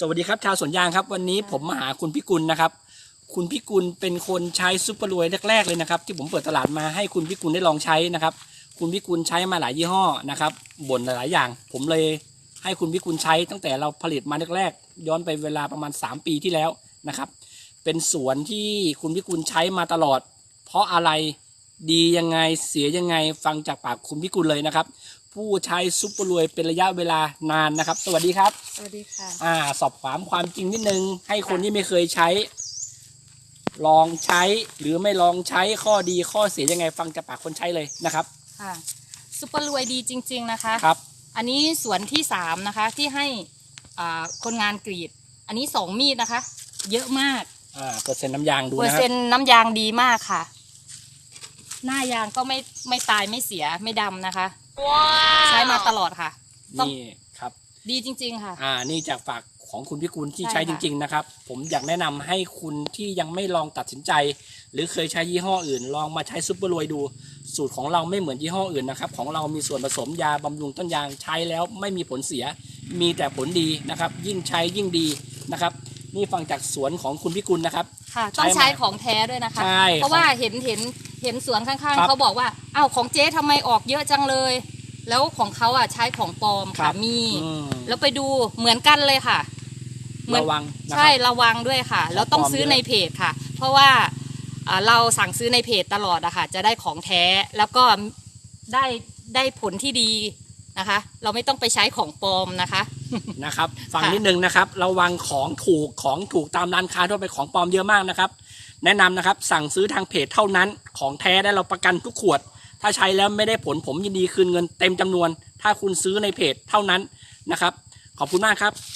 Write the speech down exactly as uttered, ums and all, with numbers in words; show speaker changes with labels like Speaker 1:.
Speaker 1: วัสดีครับชาวสวนยางครับวันนี้ผมมาหาคุณพิกุลนะครับคุณพิกุลเป็นคนใช้ซุปเปอร์รวยแรกๆเลยนะครับที่ผมเปิดตลาดมาให้คุณพิกุลได้ลองใช้นะครับคุณพิกุลใช้มาหลายยี่ห้อนะครับบ่นหลายๆอย่างผมเลยให้คุณพิกุลใช้ตั้งแต่เราผลิตมาแรกๆย้อนไปเวลาประมาณสามปีที่แล้วนะครับเป็นสวนที่คุณพิกุลใช้มาตลอดเพราะอะไรดียังไงเสียยังไงฟังจากปากคุณพิกุลเลยนะครับผู้ใช้ซุปเปอร์รวยเป็นระยะเวลานานนะครับสวัสดีครับ
Speaker 2: สวัสดีค่ะ
Speaker 1: อ่าสอบถามความจริงนิดนึงให้คนที่ไม่เคยใช้ลองใช้หรือไม่ลองใช้ข้อดีข้อเสียยังไงฟังจากปากคนใช้เลยนะครับ
Speaker 2: ค่ะซุปเปอร์รวยดีจริงๆนะคะ
Speaker 1: ครับ
Speaker 2: อันนี้สวนที่สามนะคะที่ให้อ่าคนงานกรีดอันนี้สองมีดนะคะเยอะมาก
Speaker 1: อ่าเปอร์เซ็นต์น้ำยางดูนะครับ
Speaker 2: เปอร์เซ็นต์น้ำยางดีมากค่ะหน้ายางก็ไม่ไม่ตายไม่เสียไม่ดำนะคะว้าวใช้มาตลอดค่ะ
Speaker 1: นี่ครับ
Speaker 2: ดีจริงๆค่ะ
Speaker 1: อ่านี่จากฝากของคุณพิกุลที่
Speaker 2: ใช่
Speaker 1: ใช้จริงๆนะครับผมอยากแนะนำให้คุณที่ยังไม่ลองตัดสินใจหรือเคยใช้ยี่ห้ออื่นลองมาใช้ซุปเปอร์รวยดูสูตรของเราไม่เหมือนยี่ห้ออื่นนะครับของเรามีส่วนผสมยาบำรุงต้นยางใช้แล้วไม่มีผลเสียมีแต่ผลดีนะครับยิ่งใช้ยิ่งดีนะครับนี่ฟังจากสวนของคุณพิกุลนะครับ
Speaker 2: ค่ะต้องใช้ของแท้ด้วยนะคะ
Speaker 1: ใช่
Speaker 2: เพราะว่าเห็นเห็นเห็นสวนข้างๆเขาบอกว่าอ้าวของเจ๊ทำไมออกเยอะจังเลยแล้วของเขาอ่ะใช้ของปลอมค่ะมีแล้วไปดูเหมือนกันเลยค่ะ
Speaker 1: ระวัง
Speaker 2: ใช่ระวังด้วยค่ะแล้วต้องซื้อในเพจค่ะเพราะว่าเราสั่งซื้อในเพจตลอดอะค่ะจะได้ของแท้แล้วก็ได้ได้ผลที่ดีนะคะเราไม่ต้องไปใช้ของปลอมนะคะ
Speaker 1: นะครับฟังนิดนึงนะครับระวังของถูกของถูกตามร้านค้าทั่วไปของปลอมเยอะมากนะครับแนะนำนะครับสั่งซื้อทางเพจเท่านั้นของแท้ได้เราประกันทุกขวดถ้าใช้แล้วไม่ได้ผลผมยินดีคืนเงินเต็มจำนวนถ้าคุณซื้อในเพจเท่านั้นนะครับขอบคุณมากครับ